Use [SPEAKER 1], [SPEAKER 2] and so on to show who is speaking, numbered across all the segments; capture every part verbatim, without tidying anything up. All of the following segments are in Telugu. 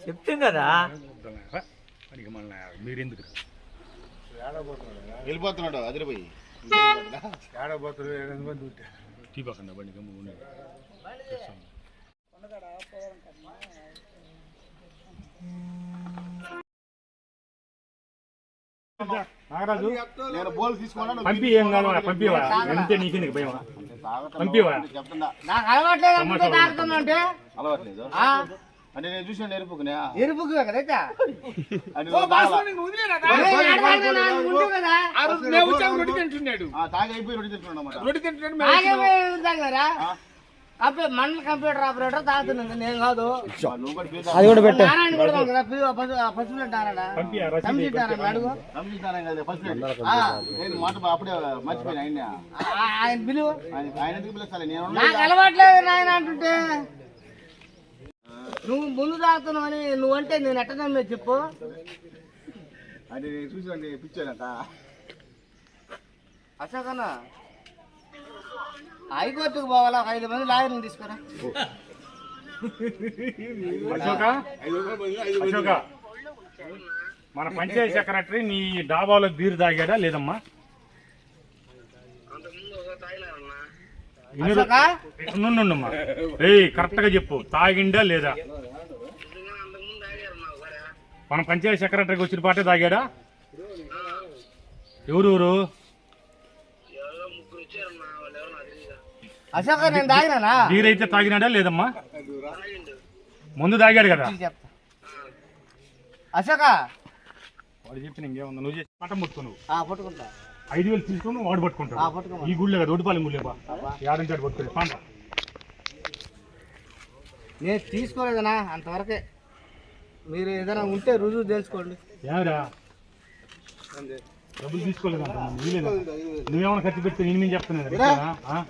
[SPEAKER 1] చెప్తాం కదా.
[SPEAKER 2] మీరెందుకు
[SPEAKER 3] వెళ్ళిపోతున్నాడు అదిరిపోయి
[SPEAKER 2] టీ పక్కన బండి గమ్ము నాగరాజు
[SPEAKER 3] నేను బోల్ తీసుకున్నాను
[SPEAKER 2] పంపి ఏం కాదు పంపివా ఎంతే నీకెందుకు భయం పంపివా
[SPEAKER 4] నాకు అలవాట్లేదు అంటే
[SPEAKER 3] అలవాట్లేదు అంటే నేను చూసాను ఎరుపుకునే
[SPEAKER 4] ఎరుపుకు కదా
[SPEAKER 3] తాగి అయిపోయి రొట్టి తింటున్నాడు
[SPEAKER 4] రొట్టి తింటున్నాడు మండల కంప్యూటర్ ఆపరేటర్ తాగుతున్నాను నేను కాదు.
[SPEAKER 1] అది కూడా పెట్టు.
[SPEAKER 3] అప్పుడే మర్చిపోయినా
[SPEAKER 4] ఆయన పిలువు
[SPEAKER 3] ఆయన ఎందుకు పిలుస్తాను నేను
[SPEAKER 4] నాకు అలవాట్లేదు నాయన అంటుంటే నువ్వు ముందు తాగుతున్నావు అని నువ్వంటే నేను ఎట్ట నమ్మే చెప్పు.
[SPEAKER 3] అది నేను చూసాను పిచ్చానంట
[SPEAKER 4] అశోకన్నా హైకోర్టుకు పోవాలా ఒక ఐదు మంది లాయర్ని తీసుకురా.
[SPEAKER 2] అశోక మన పంచాయతీ సెక్రటరీ నీ డాబాలో బీరు తాగాడా లేదమ్మా? నుండమ్మా రే కరెక్ట్ గా చెప్పు తాగిండా లేదా? మన పంచాయతీ సెక్రటరీకి వచ్చిన పాటే తాగాడా? ఎవరు
[SPEAKER 4] అశోక నేను తాగినా
[SPEAKER 2] బీరైతే తాగినాడా లేదమ్మా? ముందు తాగాడు కదా.
[SPEAKER 4] అశోక
[SPEAKER 2] వాడు చెప్పిన ఇంకేముందా నువ్వు చేసి పట్టం పట్టుకో. నువ్వు
[SPEAKER 4] పట్టుకుంటా
[SPEAKER 2] ఐదు వేలు తీసుకుని వాడు పట్టుకుంటావు. ఈ గుళ్ళే కదా ఒడిపాలి గుళ్ళే బా యాడంచాడు పట్టుకోలేదు పాంట.
[SPEAKER 4] నేను తీసుకోలేదనా అంతవరకే. మీరు ఏదైనా ఉంటే రుజువు తెలుసుకోండి.
[SPEAKER 2] ఏమరా డబ్బులు తీసుకోలేదు నువ్వేమైనా ఖర్చు పెడితే నేను మేము చెప్తున్నాను.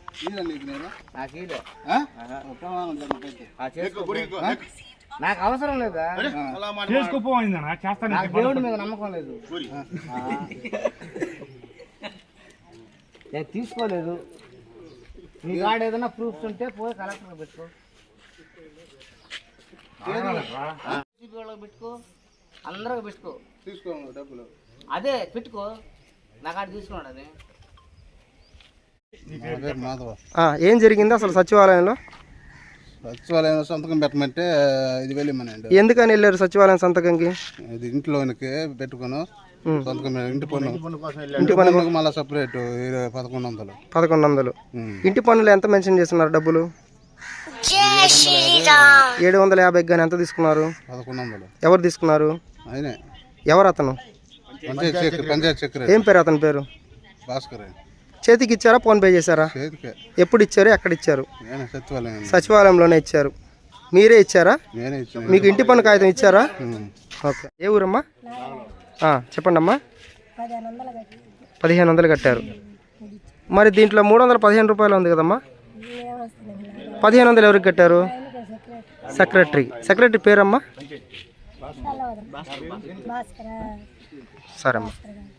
[SPEAKER 4] నాకు అవసరం లేదా?
[SPEAKER 2] చేసుకోపోయిందనా చేస్తాను.
[SPEAKER 4] దేవుడి మీద నమ్మకం లేదు. నేను తీసుకోలేదు. నీ కాడ ఏదైనా ప్రూఫ్స్ ఉంటే పోయి కలెక్టర్ పెట్టుకో పెట్టుకో అందరికి పెట్టుకో.
[SPEAKER 3] తీసుకో డబ్బులు
[SPEAKER 4] అదే పెట్టుకో నా కాడ తీసుకున్నాడు అది.
[SPEAKER 1] ఏం జరిగింది అసలు సచివాలయంలో?
[SPEAKER 3] సచివాలయం సంతకం పెట్టమంటే ఐదు వేలు ఇమ్మనండి.
[SPEAKER 1] ఎందుకని వెళ్ళారు సచివాలయం సంతకంకి?
[SPEAKER 3] ఇది ఇంట్లోనికి పెట్టుకుని సంతకం ఇంటి పన్ను
[SPEAKER 1] ఇంటి పన్ను
[SPEAKER 3] మళ్ళీ సపరేట్ పదకొండు వందలు
[SPEAKER 1] పదకొండు వందలు ఇంటి పన్నులు ఎంత మెన్షన్ చేస్తున్నారు డబ్బులు? ఏడు వందల యాభై కానీ ఎంత తీసుకున్నారు?
[SPEAKER 3] పదకొండు వందలు.
[SPEAKER 1] ఎవరు తీసుకున్నారు?
[SPEAKER 3] ఆయనే.
[SPEAKER 1] ఎవరు అతను?
[SPEAKER 3] పంచాయత్ సెక్రటరీ.
[SPEAKER 1] ఏం పేరు అతని పేరు?
[SPEAKER 3] భాస్కర్.
[SPEAKER 1] చేతికి ఇచ్చారా ఫోన్ పే చేశారా? ఎప్పుడు ఇచ్చారు ఎక్కడ ఇచ్చారు? సచివాలయంలోనే ఇచ్చారు. మీరే ఇచ్చారా? మీకు ఇంటి పన్ను కాగితం ఇచ్చారా? ఓకే. ఏ ఊరమ్మా? చెప్పండి అమ్మా. పదిహేను వందలు కట్టారు. మరి దీంట్లో మూడు వందల పదిహేను రూపాయలు ఉంది కదమ్మా. పదిహేను వందలు ఎవరికి కట్టారు? సెక్రటరీ. సెక్రటరీ పేరమ్మా? సరే అమ్మా.